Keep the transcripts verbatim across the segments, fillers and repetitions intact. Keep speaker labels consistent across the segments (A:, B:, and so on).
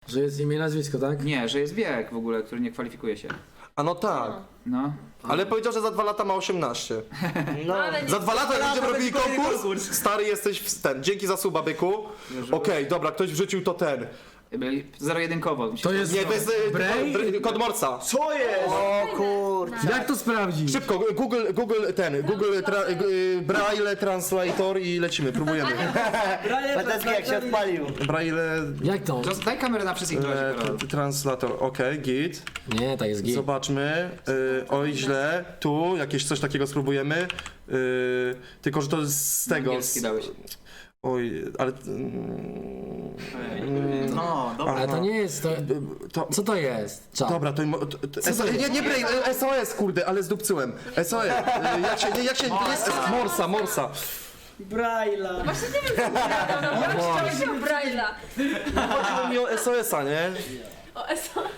A: Że jest imię i nazwisko, tak?
B: Nie, że jest wiek w ogóle, który nie kwalifikuje się.
C: A no tak.
B: No.
C: Ale powiedział, że za dwa lata ma osiemnaście.
D: No,
E: ale nie.
C: Za dwa lata jak będziemy
D: to
C: robili
D: będzie kolejny
C: konkurs,
D: konkurs.
C: stary jesteś w ten. Dzięki za suba, byku. Okej, dobra, ktoś wrzucił to ten.
B: Zero-jedynkowo.
A: To jest...
C: Nie, to jest e,
A: Bray?
C: dr- kod Morsa.
D: co jest?
E: O kurczę.
A: Jak to sprawdzić?
C: Szybko, Google, Google ten, Google tra, y, Braille Translator i lecimy, próbujemy.
D: Patecki jak się odpalił.
C: Braille
A: Jak to?
B: Just daj kamerę na wszystkich
C: e,
B: razie, Karol.
C: t- Translator, okej, git.
A: Nie, tak jest git.
C: Zobaczmy, y, oj źle, tu jakieś coś takiego spróbujemy. Y, tylko, że to z tego.
B: Angielski dałeś.
C: Oj, ale... Mm,
D: No, dobra.
A: Ale to nie jest... To...
C: to,
A: Co to jest? Czad.
C: Dobra, to, to, to S O S, nie, nie Braille, S O S, kurde, ale zdupcyłem. S O S, y, jak się, nie, jak się, jest, Morsa, Morsa.
D: Braille'a.
E: Właśnie nie wiem, co Braille'a. Jak się Braille'a?
C: Chodziło mi o S O S a, nie?
E: O, S O.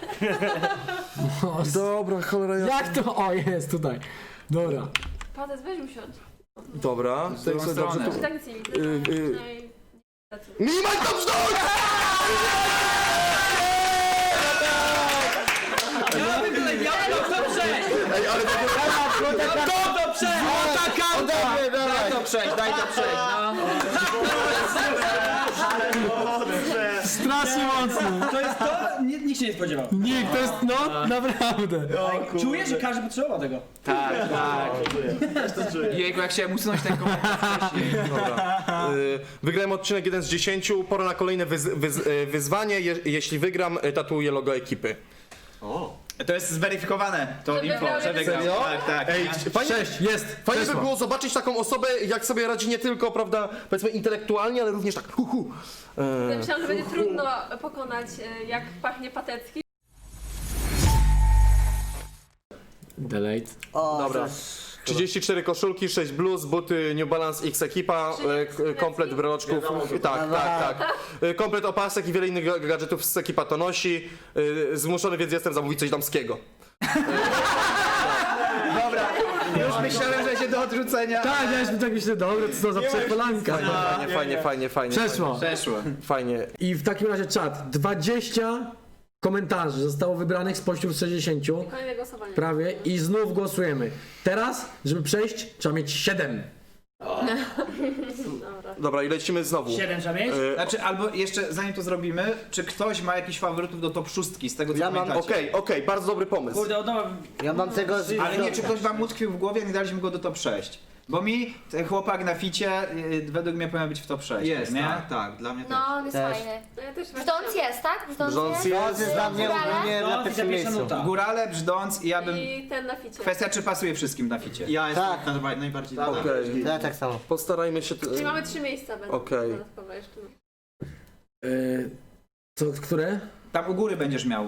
C: Dobra, cholera ja...
A: Jak to? O, jest tutaj. Dobra.
E: Patec, weź usiądź.
C: Dobra,
B: Z
C: tak
B: drugą
C: sobie dobrze
B: stronę.
C: tu...
E: I tak nic nie widzę.
C: Y, y.
E: Przynajmniej-
C: Minimal to brzdąć!
D: Ja bym tyle, ja bym to przejść!
C: Ej, ale to było...
D: To to przejść! Złota karta!
B: Daj to przejść, daj to przejść, no.
A: Strasznie mocno.
D: To jest to? Nie, nikt się nie spodziewał.
A: Nikt, to jest... No, naprawdę.
D: Czuję, że każdy potrzebował tego.
B: Tak, tak. Jejku, jak chciałem usunąć ten komentarz wcześniej.
C: Dobra. Y, Wygrałem odcinek jeden z dziesięciu, pora na kolejne wyz, wyz, y, wyzwanie. Je, jeśli wygram, y, tatuję logo ekipy.
F: To jest zweryfikowane, to
E: Że
F: info,
E: wygrał
F: że
E: jeden.
F: wygrał.
C: Serio?
F: Tak, tak.
C: Ej, fajnie,
A: Sześć, jest.
C: fajnie by
A: Przeszło.
C: było zobaczyć taką osobę, jak sobie radzi nie tylko, prawda, powiedzmy intelektualnie, ale również tak hu, hu.
E: Ja
C: Y,
E: myślałam, że będzie trudno pokonać, e, jak pachnie Patecki.
A: Delete.
C: Dobra. trzydzieści cztery koszulki, sześć bluz, buty New Balance X ekipa, y, k- komplet breloczków, tak, tak, tak. Y, Komplet opasek i wiele innych ga- gadżetów z ekipa to nosi. Y, Zmuszony więc jestem zamówić coś damskiego.
B: Już myślałem, że się do odrzucenia.
A: Tak, ja już tak myślę, dobra, co to za przekolanka.
C: Fajnie, fajnie, fajnie, fajnie.
A: Przeszło.
B: Przeszło.
C: Fajnie.
A: I w takim razie czat. dwadzieścia komentarzy zostało wybranych spośród sześćdziesięciu.
E: Kolejne głosowanie.
A: Prawie. I znów głosujemy. Teraz, żeby przejść, trzeba mieć siedem.
E: Dobra.
C: Dobra, i lecimy znowu.
D: Siedem trzeba mieć?
C: Y,
B: Znaczy, albo jeszcze zanim to zrobimy, czy ktoś ma jakiś faworytów do top szóstki z tego co
G: Ja mam-
B: pamiętacie?
C: Okej, okej, bardzo dobry pomysł.
D: Kurde, od nowa...
G: Ja mam tego z...
B: Ale nie, czy ktoś wam utkwił w głowie, nie daliśmy go do top sześć. Bo mi ten chłopak na ficie y, według mnie powinien być w top sześć.
F: Jest,
B: nie?
F: tak, tak, dla mnie też.
H: No, on jest
G: Też.
H: fajny.
E: No ja też
H: Brzdąc jest, tak? Brzdąc
C: Brzdąc
H: jest.
C: jest.
G: To jest dla mnie ogólnie
D: No,
G: na
D: i
G: pierwszym
D: za pierwsza
G: miejscu.
D: nuta.
B: Górale, brzdąc i ja bym...
E: I ten na ficie.
B: Kwestia, czy pasuje wszystkim na ficie.
F: Ja jestem
G: Tak.
F: tak. najbardziej
G: Tak.
F: dla mnie.
C: Okej.
G: Ja tak samo.
C: Postarajmy się... t-
E: Czyli mamy trzy miejsca będą
C: Okej.
E: dodatkowe jeszcze.
A: Yy, co, które?
B: Tam u góry będziesz miał.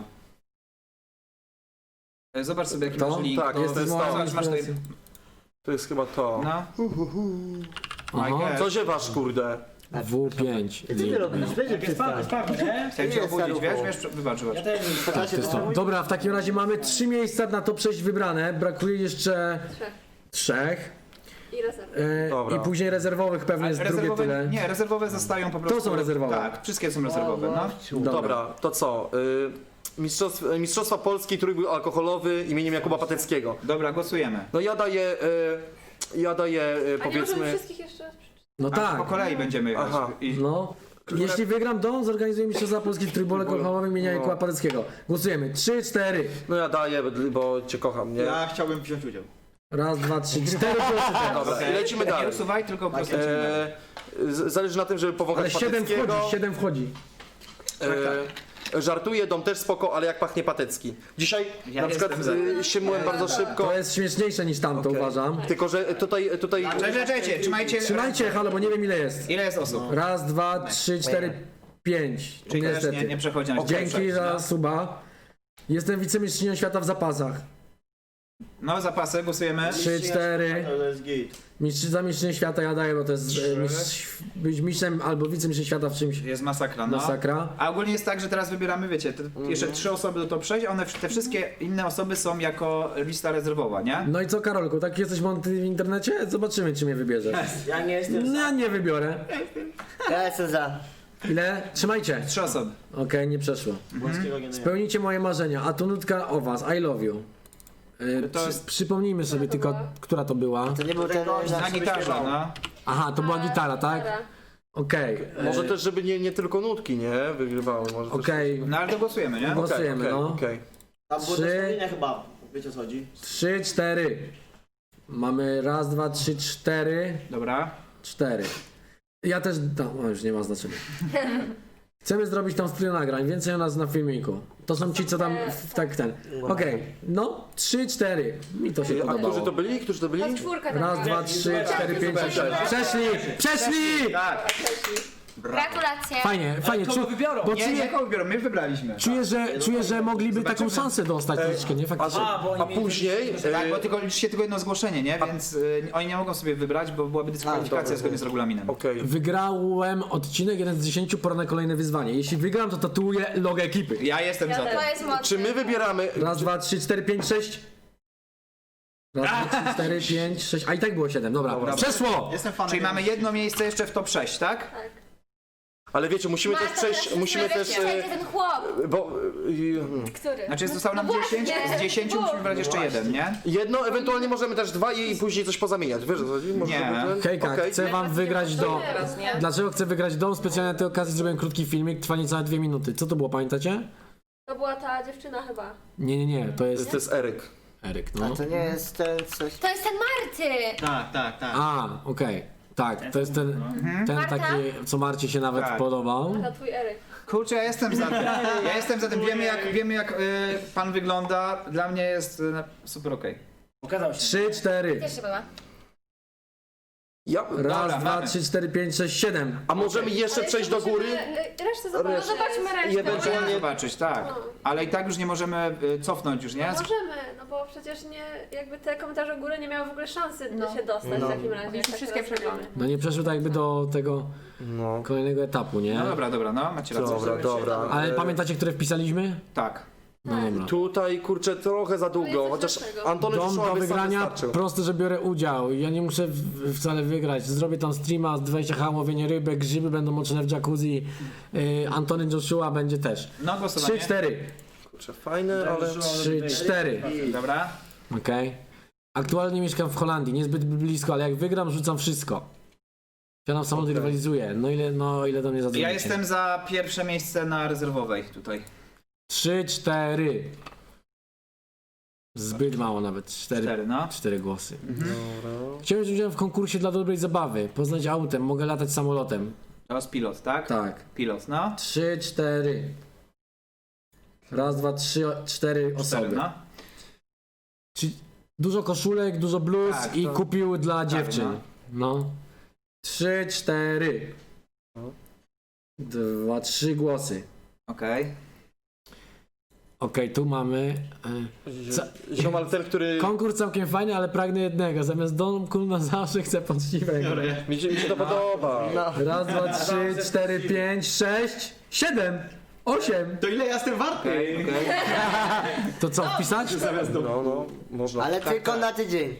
B: E, Zobacz sobie jaki
A: To?
B: masz link.
C: Tak,
B: to,
C: jest
B: to jest
C: to.
B: to. Zobacz, masz tutaj...
C: To jest chyba to.
B: No.
A: Aha.
C: Co ziewasz, kurde?
A: W pięć.
G: Co ty robisz? Będzie
D: Jak jest paweł,
G: przestać.
D: jest paweł, nie?
B: Chciałem cię
G: jest
B: obudzić, wiesz?
G: staruchu.
B: wiesz? Wybacz, wybacz.
D: Ja też
A: To jest to. Dobra, w takim razie mamy trzy miejsca na to przejść wybrane. Brakuje jeszcze
E: Trzech.
A: trzech.
E: I rezerwy.
A: Yy,
C: Dobra.
A: I później rezerwowych pewnie jest drugie
B: rezerwowe,
A: tyle.
B: nie, rezerwowe zostają po prostu.
A: są rezerwowe.
B: Tak, wszystkie są rezerwowe, no.
C: Dobra, to co? Y, mistrzostw, Mistrzostwa Polski trójbój alkoholowy imieniem Jakuba Pateckiego.
B: Dobra, głosujemy.
C: No ja daję... Y, ja daję, y,
E: A nie możemy
C: powiedzmy...
E: wszystkich jeszcze raz przeczytać?
A: No
B: A,
A: tak.
B: po kolei będziemy jechać.
C: Aha.
B: I...
A: No. Jeśli wygram, to zorganizuję Mistrzostwa Polski w trójbolu alkoholowym imienia
C: No.
A: Jakuba Pateckiego. Głosujemy. Trzy, cztery.
C: No ja daję, bo cię kocham, nie?
F: Ja chciałbym wziąć udział.
A: Raz, dwa, trzy, cztery głosy teraz.
C: Dobra, i lecimy
B: Nie
C: dalej.
B: usuwaj, tylko po prostu
C: E, z- zależy na tym, żeby
A: Ale
C: powąchać
A: siedem
C: Pateckiego.
A: wchodzi, siedem wchodzi.
C: E, żartuję, dom też spoko, ale jak pachnie Patecki. Dzisiaj
B: Ja
C: na przykład
B: jestem
C: y, siemłem bardzo szybko.
A: To jest śmieszniejsze niż tamto,
C: Okej.
A: uważam.
C: Tylko, że tutaj... tutaj
B: Cześć, cześć, cześć, trzymajcie.
A: Trzymajcie, halo, bo nie wiem ile jest.
B: Ile jest osób?
A: Raz, dwa, trzy, cztery, pięć.
B: Czyli też
A: Niestety.
B: nie, nie przechodzi na
A: Dzięki za
B: no.
A: suba. Jestem wicemistrzynią świata w zapasach.
B: No, zapasy, głosujemy.
A: Trzy, cztery.
F: To jest git.
A: Mistrz, za mistrzynię świata ja daję, bo to jest e, mistrz, być mistrzem albo wicemistrzem świata w czymś.
B: Jest masakra, no.
A: Masakra.
B: A ogólnie jest tak, że teraz wybieramy, wiecie, te, jeszcze trzy osoby do top sześć, a one, te wszystkie inne osoby są jako lista rezerwowa, nie?
A: No i co, Karolku, tak jesteś mądry w internecie? Zobaczymy, czy mnie wybierzesz.
G: Ja nie jestem
A: No,
G: za.
A: ja nie wybiorę.
G: Ja jestem za.
A: Ile? Trzymajcie.
B: Trzy osoby.
A: Okej, nie przeszło.
G: Włoskiego nie
A: Spełnijcie moje marzenia. A tu nutka o was. I love you. Yy,
B: To
A: przy,
B: jest-
A: przypomnijmy sobie tylko, która to była.
G: To nie był ten...
B: Na gitarze, no.
A: Aha, to była gitara, tak?
E: Gitara.
A: Okej.
C: Może
A: yy,
C: też, żeby nie, nie tylko nutki, nie? Wygrywały. Może też-
A: Okej.
B: No ale to głosujemy, nie?
A: Głos- głosujemy,
C: Okej,
A: no.
C: okej.
G: Tam było
A: Trzy.
G: zestawienie chyba, wiecie o co chodzi?
A: Trzy, cztery. Mamy raz, dwa, trzy, cztery.
B: Dobra.
A: Cztery. Ja też. No, już nie ma znaczenia. Chcemy zrobić tam studio nagrań, więcej o nas na filmiku. To są ci, co tam w, tak ten. Okej, no, trzy, cztery. Mi to się
C: A którzy to
A: podobało.
C: byli? Którzy to byli?
E: Ta czwórka tam
A: Raz,
E: była.
A: dwa, trzy, cztery, pięć, sześć. Przeszli! Przeszli!
B: Tak.
H: Gratulacje.
A: Fajnie, fajnie.
D: Kogo
A: Czu,
D: wybiorą?
A: bo
B: Nie,
A: czuję,
B: nie kogo wybiorą, my wybraliśmy.
A: czuję, że, czuję, że mogliby taką szansę dostać troszeczkę, nie? Faktycznie.
D: A, bo oni
C: A
D: mieli-
C: później...
B: Tak,
C: e,
B: bo tylko liczy się tylko jedno zgłoszenie, nie? Więc y, oni nie mogą sobie wybrać, bo byłaby dyskwalifikacja zgodnie z regulaminem.
C: Okej.
A: Wygrałem odcinek jeden z dziesięciu, pora na kolejne wyzwanie. Jeśli wygram, to tatuję logo ekipy.
B: Ja jestem za
E: Ja
B: tym.
H: To jest mocne.
C: Czy my wybieramy...
A: Raz, dwa, trzy, cztery, pięć, sześć. Raz, dwa, trzy, cztery, pięć, sześć. A i tak było siedem, dobra.
C: Dobra.
A: Przeszło!
F: Jestem fanem.
B: Czyli mamy jedno miejsce jeszcze w top sześć, tak?
E: Tak.
C: Ale wiecie, musimy też
H: Marta,
C: przejść...
H: teraz
C: Musimy
H: jest
C: też...
H: przejdzie
C: e,
H: ten chłop.
C: Bo... e,
E: Który?
B: Znaczy zostało nam
E: No
B: dziesięć,
E: właśnie,
B: z dziesięciu musimy wybrać jeszcze jeden, nie?
C: Jedno, ewentualnie możemy też dwa i później coś pozamieniać. Wiesz o co chodzi? Może
B: Nie.
C: żeby ten-
A: Hejka,
C: Okej.
A: chcę wam wygrać dom.
E: Teraz, nie?
A: Dlaczego chcę wygrać dom? Specjalnie na tej okazji zrobiłem krótki filmik, trwa niecałe dwie minuty. Co to było, pamiętacie?
E: To była ta dziewczyna chyba.
A: Nie, nie, nie, to
C: To
A: jest
C: to jest Eryk.
A: Eryk,
G: A
A: no.
G: to nie jest ten coś...
H: To jest ten Marty.
F: Tak, tak, tak.
A: A, okej. Tak, to jest ten, ten
H: Marta?
A: taki, co Marcie się nawet
B: Tak.
A: podobał.
E: To twój Eryk.
B: Kurczę, ja jestem za tym. Ja jestem za tym. Wiemy jak, wiemy jak y, pan wygląda. Dla mnie jest y, super okej.
D: Pokazał się.
A: Trzy, cztery.
H: Też była.
C: Ja...
A: Raz,
B: Dobra,
A: dwa,
B: mamy.
A: trzy, cztery, pięć, sześć, siedem.
C: A możemy jeszcze
E: Ale
C: przejść do
E: musimy,
C: góry?
E: y, Resztę zobaczyć.
C: Resztę.
E: No zobaczmy resztę.
C: I ewentualnie-
B: Możemy zobaczyć, tak.
E: No.
B: Ale i tak już nie możemy y, cofnąć już, nie?
E: Możemy, no bo przecież nie, jakby te komentarze u góry nie miały w ogóle szansy
H: No.
E: się dostać
C: No.
E: w takim razie. jak tak
H: wszystkie
E: teraz robimy.
A: No nie przeszły tak jakby do tego
C: No.
A: kolejnego etapu, nie?
B: No dobra, dobra, no macie rację.
C: Dobra, dobra.
A: Ale
C: E,
A: pamiętacie, które wpisaliśmy?
B: Tak.
A: No dobra.
C: Tutaj, kurczę, trochę za długo,
E: jesteś
C: chociaż
E: lepszego.
C: Antony
A: Dom do
C: Przysłowy sam
A: wygrania,
C: wystarczył.
A: proste, że biorę udział. Ja nie muszę w, wcale wygrać. Zrobię tam streama z dwadzieścia H, łowienie rybek, grzyby będą moczone w jacuzzi. Yy, Antony Joshua będzie też.
B: No głosowanie.
A: Trzy, cztery.
C: Kurczę, fajne, ale...
A: Trzy, cztery.
B: Dobra.
A: Okej. Aktualnie mieszkam w Holandii, niezbyt blisko, ale jak wygram, rzucam wszystko. Siadam w samochód i rywalizuję. No ile, no ile do mnie zadzwonicie?
B: Ja jestem za pierwsze miejsce na rezerwowej tutaj.
A: Trzy, cztery. Zbyt mało nawet. Cztery,
B: Cztery, no.
A: cztery głosy.
C: Dobra.
A: Chciałem wziąć udział w konkursie dla dobrej zabawy. Poznać autem, mogę latać samolotem.
B: To jest pilot, tak?
A: Tak.
B: Pilot, no.
A: Trzy, cztery. Raz, dwa, trzy, o- cztery osoby.
B: Cztery, no.
A: Czy dużo koszulek, dużo bluz
B: Tak,
A: i
B: to-
A: kupił dla dziewczyn.
B: no.
A: No. Trzy, cztery. Dwa, trzy głosy.
B: Okej.
A: Okej, tu mamy. e, Co?
C: Ziomal ten, który...
A: Konkurs całkiem fajny, ale pragnę jednego. Zamiast domku na zawsze chcę poczciwego.
C: Mi się, mi się to podoba.
A: Raz, dwa, trzy, cztery, pięć, sześć, siedem, osiem.
F: To ile ja jestem warty?
B: Okej, okej.
A: To co, wpisać?
C: No, no, można.
G: Ale tylko na tydzień.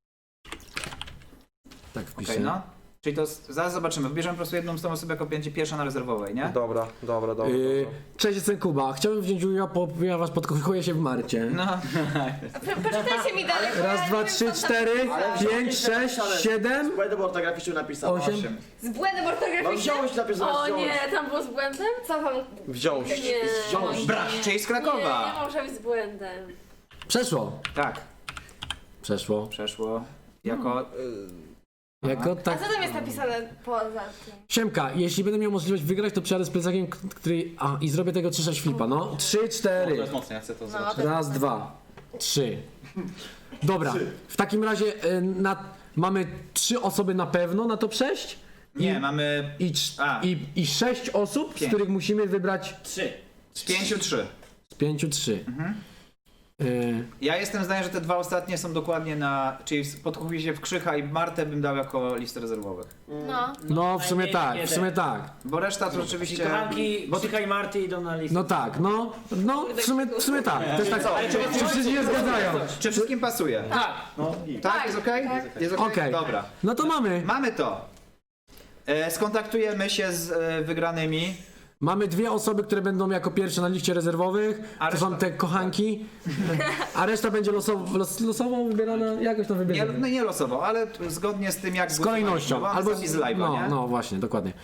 A: Tak,
B: Okej,
A: wpiszę.
B: no. Czyli to s- zaraz zobaczymy. Wybierzemy po prostu jedną z tą osobę jako będzie pierwsza na rezerwowej, nie?
C: Dobra, dobra, dobra.
A: Yy,
C: dobra.
A: cześć, jestem Kuba. Chciałbym wziąć udział, bo ja was podkochuję się w Marcie.
B: No.
H: Pro- Poczytajcie mi dalej. bo ja
A: Raz,
H: nie
A: dwa,
H: wiem,
A: trzy,
H: co tam-
A: cztery, pięć, sześć, siedem,
G: Błędem ortograficznym napisał.
A: osiem.
B: Osiem.
H: Z błędem
G: No
H: ortograficznym?
G: wziąłeś napisałeś,
E: O
G: wziąłeś.
E: nie, tam było z błędem?
H: Co wam?
C: Wziąć.
E: Nie.
G: Wziąłeś.
B: Brak, czyli z
E: Nie,
B: Krakowa.
E: nie może być z błędem.
A: Przeszło.
B: Tak,
A: Przeszło.
B: przeszło. Jako...
A: Jako
H: A
A: tak.
H: co tam jest napisane poza tym?
A: Siemka, jeśli będę miał możliwość wygrać, to przyjadę z plecakiem, k- który. A, i zrobię tego Czesza Świpa, no. Trzy,
F: To
A: cztery.
F: jest mocne, ja chcę to
H: No,
F: zobaczyć.
H: to...
A: Raz, dwa, trzy. Dobra, w takim razie y, na, mamy trzy osoby na pewno na to przejść
B: Nie, mamy
A: i, cz-
B: A.
A: i, i sześć osób, z
B: Pięć.
A: których musimy wybrać
D: Trzy.
B: z pięciu trzy.
A: z pięciu trzy. Y,
B: Ja jestem zdania, że te dwa ostatnie są dokładnie na... Czyli podkupię się w Krzycha i Martę bym dał jako listę rezerwowych.
H: No.
A: no, w sumie
D: najmniej
A: tak, w
D: jeden.
A: sumie tak.
B: Bo reszta to rzeczywiście...
D: Kochanki,
B: Bo
D: Krzycha i Marty idą na listę.
A: No tak, no, no, w sumie, w sumie tak. Też tak. Czy wszyscy się zgadzają?
B: Czy wszystkim pasuje?
D: Tak.
B: Tak, jest okej? Jest okej?
A: Okej.
B: Dobra.
A: No to mamy.
B: Mamy to. E, skontaktujemy się z e, wygranymi.
A: Mamy dwie osoby, które będą jako pierwsze na liście rezerwowych.
B: A
A: To są
B: reszta-
A: te kochanki. A reszta będzie losowo, los, losowo wybierana. Jakoś to
B: Nie,
A: wybierzemy.
B: no nie losowo, ale t- zgodnie z tym jak
A: Z kolejnością.
B: Albo z live'a,
A: no,
B: nie?
A: no właśnie, dokładnie.